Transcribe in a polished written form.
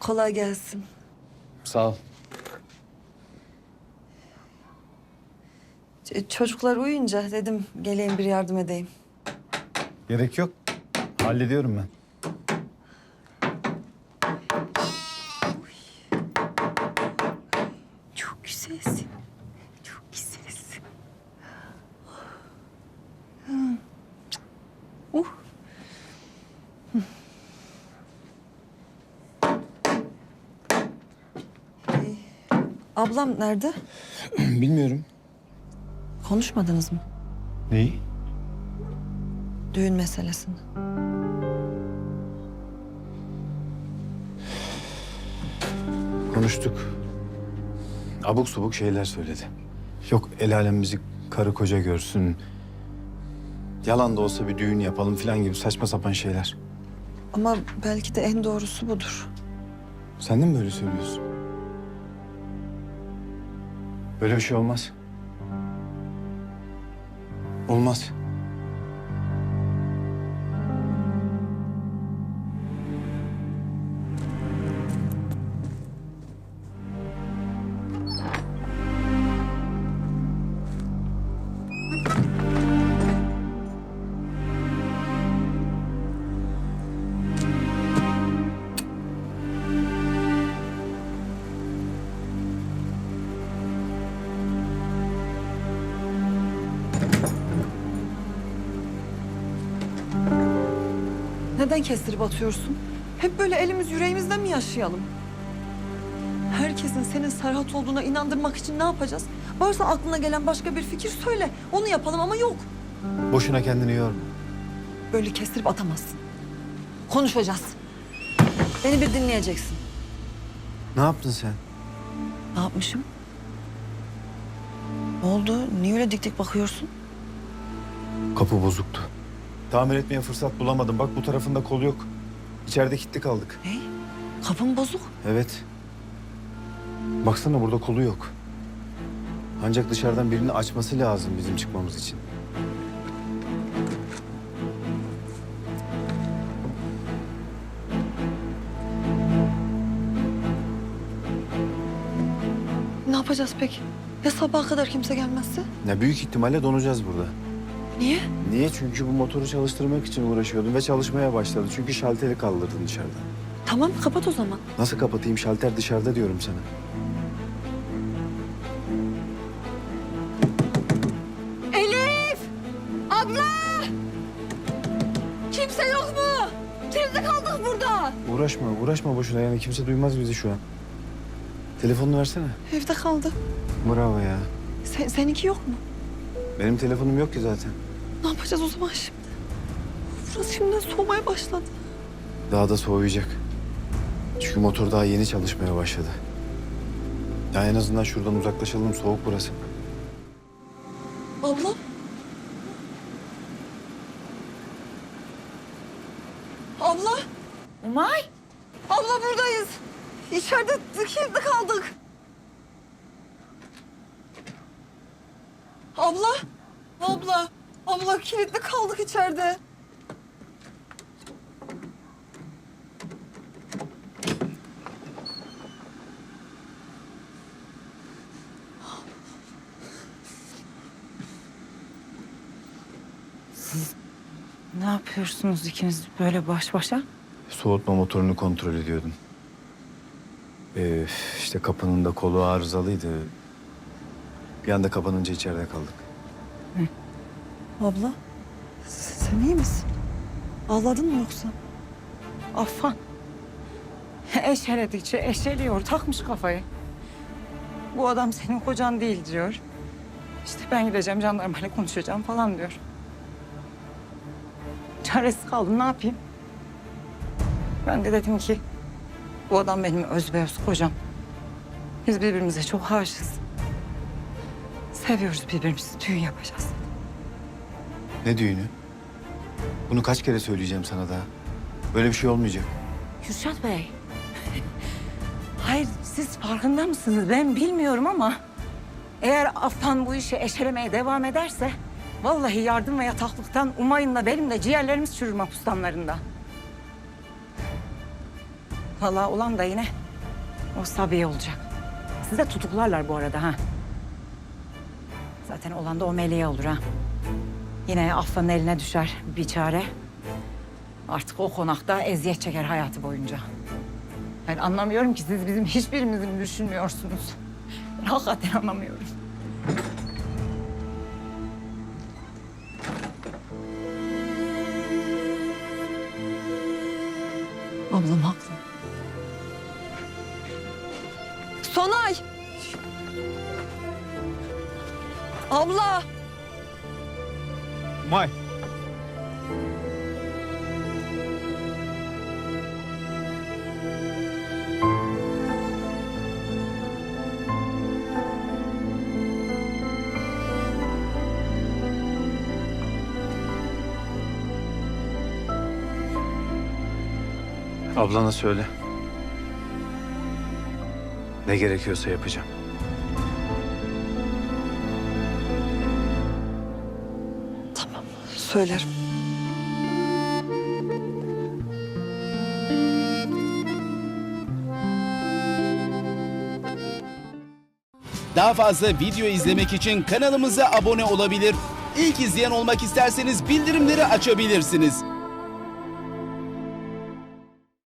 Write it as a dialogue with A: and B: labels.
A: Kolay gelsin.
B: Sağ ol.
A: Çocuklar uyuyunca dedim geleyim bir yardım edeyim.
B: Gerek yok. Hallediyorum ben.
A: Çok güzelsin. Çok güzelsin. Uh. Ablam nerede?
B: Bilmiyorum.
A: Konuşmadınız mı?
B: Neyi?
A: Düğün meselesini.
B: Konuştuk. Abuk subuk şeyler söyledi. Yok el alem bizi karı koca görsün. Yalan da olsa bir düğün yapalım falan gibi saçma sapan şeyler.
A: Ama belki de en doğrusu budur.
B: Sen de mi böyle söylüyorsun? Böyle bir şey olmaz. Olmaz.
A: Neden kestirip atıyorsun? Hep böyle elimiz yüreğimizden mi yaşayalım? Herkesin senin Serhat olduğuna inandırmak için ne yapacağız? Varsa aklına gelen başka bir fikir söyle. Onu yapalım ama yok.
B: Boşuna kendini yorma.
A: Böyle kestirip atamazsın. Konuşacağız. Beni bir dinleyeceksin.
B: Ne yaptın sen?
A: Ne yapmışım? Ne oldu? Niye öyle dik dik bakıyorsun?
B: Kapı bozuktu. Tamir etmeye fırsat bulamadım. Bak bu tarafında kol yok. İçeride kilitli kaldık.
A: Ne? Kapım bozuk.
B: Evet. Baksana burada kolu yok. Ancak dışarıdan birini açması lazım bizim çıkmamız için.
A: Ne yapacağız peki? Ya sabaha kadar kimse gelmezse?
B: Ne büyük ihtimalle donacağız burada.
A: Niye?
B: Niye? Çünkü bu motoru çalıştırmak için uğraşıyordum ve çalışmaya başladı. Çünkü şalteri kaldırdın dışarıda.
A: Tamam kapat o zaman.
B: Nasıl kapatayım? Şalter dışarıda diyorum sana.
A: Elif! Abla! Kimse yok mu? Kimse kaldık burada.
B: Uğraşma boşuna. Yani kimse duymaz bizi şu an. Telefonunu versene.
A: Evde kaldı.
B: Bravo ya.
A: Seninki yok mu?
B: Benim telefonum yok ki zaten.
A: Ne yapacağız o zaman şimdi? Burası şimdiden soğumaya başladı.
B: Daha da soğuyacak. Çünkü motor daha yeni çalışmaya başladı. Ya en azından şuradan uzaklaşalım. Soğuk burası.
A: Abla? Abla?
C: Umay,
A: Abla buradayız. İçeride kilitli kaldık. Abla? Abla kilitli kaldık içeride.
C: ne yapıyorsunuz ikiniz böyle baş başa?
B: Soğutma motorunu kontrol ediyordum. İşte kapının da kolu arızalıydı. Bir anda kapanınca içeride kaldık.
A: Abla, sen iyi misin? Ağladın mı yoksa?
C: Affan. Eşeledikçe eşeliyor, takmış kafayı. Bu adam senin kocan değil diyor. İşte ben gideceğim jandarmayla konuşacağım falan diyor. Çaresiz kaldım, ne yapayım? Ben de dedim ki bu adam benim özbeöz kocam. Biz birbirimize çok aşığız. Seviyoruz birbirimizi, düğün yapacağız.
B: Ne düğünü? Bunu kaç kere söyleyeceğim sana daha? Böyle bir şey olmayacak.
C: Kürşat Bey. Hayır, siz farkında mısınız? Ben bilmiyorum ama eğer Affan bu işi eşelemeye devam ederse vallahi yardım ve yataklıktan Umay'ınla benim de ciğerlerimiz çürür mahpus damlarında. Vallahi olan da yine O Sabiye olacak. Sizi de tutuklarlar bu arada ha. Zaten olan da o meleğe olur ha. Yine Affan'ın eline düşer bir çare. Artık o konakta eziyet çeker hayatı boyunca. Ben anlamıyorum ki siz bizim hiçbirimizi mi düşünmüyorsunuz? Ben hakikaten anlamıyorum.
A: Ablam haklı. Sonay! Abla!
B: May. Ablana söyle. Ne gerekiyorsa yapacağım.
A: Tamam, söylerim.
D: Daha fazla video izlemek için kanalımıza abone olabilir. İlk izleyen olmak isterseniz bildirimleri açabilirsiniz.